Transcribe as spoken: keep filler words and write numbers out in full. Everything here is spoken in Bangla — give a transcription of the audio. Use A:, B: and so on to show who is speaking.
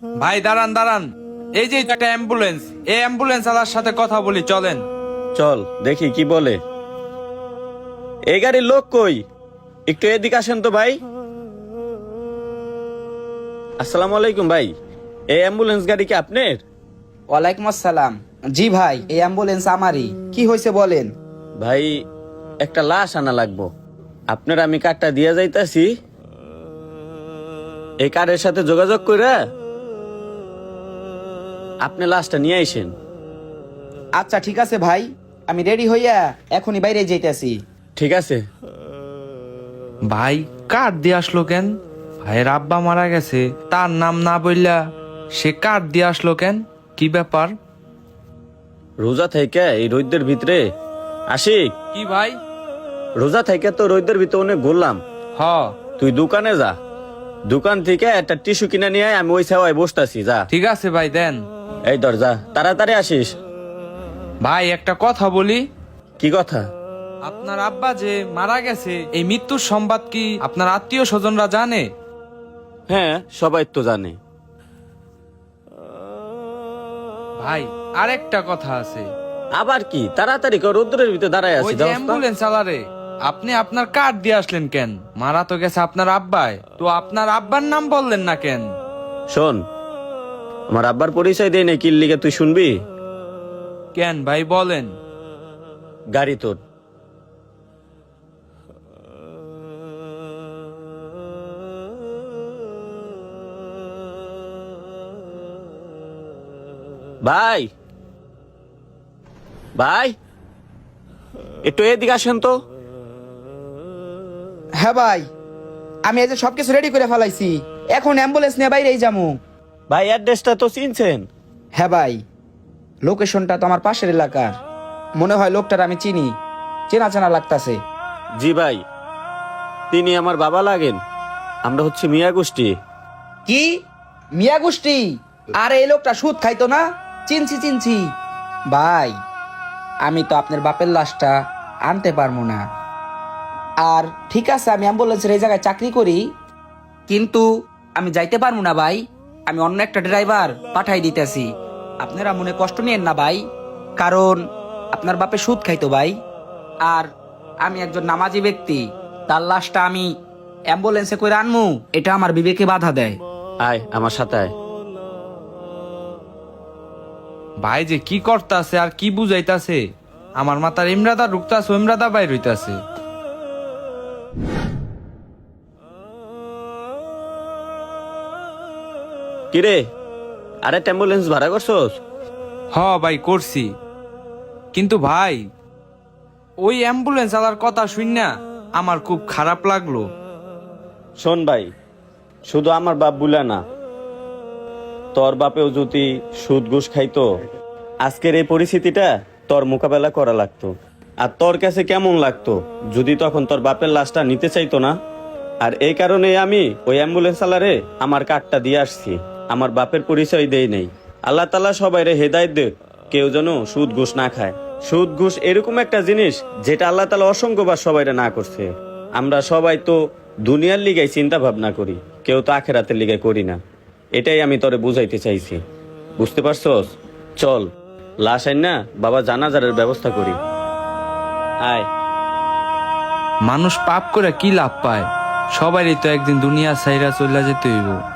A: ভাই দাঁড়ান দাঁড়ান, এই যে একটা অ্যাম্বুলেন্স, এই অ্যাম্বুলেন্স আলার সাথে কথা বলি, চলেন।
B: চল দেখি কি বলে। এই গাড়ির লোক কই? একটু এদিকে আসেন তো ভাই। আসসালামু আলাইকুম ভাই, এই অ্যাম্বুলেন্স গাড়ি কি আপনার?
C: ওয়ালাইকুম আসসালাম। জি ভাই, এই অ্যাম্বুলেন্স আমারই। কি হয়েছে বলেন?
B: ভাই একটা লাশ আনা লাগবো, আপনার আমি কার্ডটা দিয়ে যাইতাছি, এই কার্ডের সাথে যোগাযোগ করে আপনি লাশটা নিয়ে আইসেন।
C: আচ্ছা ঠিক আছে ভাই, আমি রেডি হইয়া এখনই বাইরে যাইতেছি।
B: ঠিক আছে।
A: ভাই কার্ড দিয়ে আসলো কেন? ভাইয়ের আব্বা মারা গেছে, তার নাম না বললা সে কার্ড দিয়ে আসলো কেন? কি ব্যাপার?
B: রোজা থেকে এই রোদের ভিতরে আশিক,
A: কি ভাই?
B: রোজা থেকে তো রোদের ভিতরে অনেক ঘুরলাম,
A: হ।
B: তুই দোকানে যা, দোকান থেকে একটা টিস্যু কিনে নিয়ে আয়, আমি ওই সেওয়ায় বসতাছি, যা।
A: ঠিক আছে ভাই, দেন।
B: এই ধর যা, তাড়াতাড়ি আসিস।
A: ভাই একটা কথা বলি,
B: কি কথা?
A: আপনার আব্বা যে মারা গেছে, এই মৃত্যুর সংবাদ কি আপনার আত্মীয় স্বজনরা জানে?
B: হ্যাঁ, সবাই তো জানে।
A: ভাই আরেকটা কথা আছে।
B: আবার কি? তাড়াতাড়ি কর, রোদ্রের ভিতরে দাঁড়ায়
A: ওই
B: আছি।
A: যে অ্যাম্বুলেন্স চালারে, আপনি আপনার কার্ড দিয়ে আসলেন কেন? মারা তো গেছে আপনার আব্বাই, তো আপনার আব্বার নাম বললেন না কেন?
B: শোন, আমার আব্বার পরিচয় দেয় না, কিল লিগে তুই শুনবি?
A: কেন ভাই বলেন।
B: গাড়ি তোর। ভাই ভাই একটু এদিকে আসেন তো।
C: হ্যাঁ ভাই, আমি এই যে সবকিছু রেডি করে ফেলাইছি, এখন অ্যাম্বুলেন্স নিয়ে বাইরেই যাবো।
B: ভাই অ্যাড্রেসটা তো চিনছেন?
C: হ্যাঁ ভাই, লোকেশনটা তো আমার পাশের এলাকার, মনে হয় লোকটার আমি চিনি, চেনা চেনা লাগতাছে।
B: জি ভাই, তিনি আমার বাবা লাগেন, আমরা হচ্ছে মিয়া গোষ্ঠী।
C: কি মিয়া গোষ্ঠী? আর এই লোকটা সুদ খাইতো না? চিনছি চিনছি ভাই, আমি তো আপনার বাপের লাশটা আনতে পারবো না। আর ঠিক আছে, আমি অ্যাম্বুলেন্সের এই জায়গায় চাকরি করি, কিন্তু আমি যাইতে পারবো না ভাই, আমি অন্য একটা ড্রাইভার পাঠাই দিতেছি। আপনারা মনে কষ্ট নিয়েন না ভাই, কারণ আপনার বাপে সুদ খাইতো ভাই, আর আমি একজন নামাজি ব্যক্তি, তার লাশটা আমি অ্যাম্বুলেন্সে করে আনমু, এটা আমার বিবেকে বাধা দেয়।
B: আয় আমার সাথে আয়।
A: ভাই যে কি করতাছে আর কি বুঝাইতাছে, আমার মাথার ইমরাদা ঢুকতাছে, ইমরাদা বাইর হইতাছে।
B: কিরে, আরে অ্যাম্বুলেন্স ভাড়া করছস?
A: হ ভাই করছি, কিন্তু ভাই ওই অ্যাম্বুলেন্স আলার কথা শুন না আমার খুব খারাপ লাগলো।
B: শোন ভাই, শুধু আমার বাপ বুলা না, তোর বাপেও যদি সুদ ঘুষ খাইতো, আজকের এই পরিস্থিতিটা তোর মোকাবেলা করা লাগতো। আর তোর কাছে কেমন লাগতো যদি তখন তোর বাপের লাশটা নিতে চাইতো না? আর এই কারণে আমি ওই অ্যাম্বুলেন্স আলারে আমার কার্ডটা দিয়ে আসছি, আমার বাপের পরিচয় দেই নেই। আল্লাহ তাআলা সবাই রে হেদায়েত দেখ, কেউ যেন সুদ ঘুষ না খায়। সুদ ঘুষ এরকম একটা জিনিস যেটা আল্লাহ তাআলা অসংখ্যবার সবাইরে না করছে। আমরা সবাই তো দুনিয়ার লিগাই চিন্তা ভাবনা করি, কেউ তো আখেরাতের লিগাই করি না। এটাই আমি তোরে বুঝাইতে চাইছি, বুঝতে পারছস? চল লাশ আইন না বাবা জানাজারের ব্যবস্থা করি। আয়।
A: মানুষ পাপ করে কি লাভ পায়? সবারই তো একদিন দুনিয়া ছাইরা চলে যেতে হইব।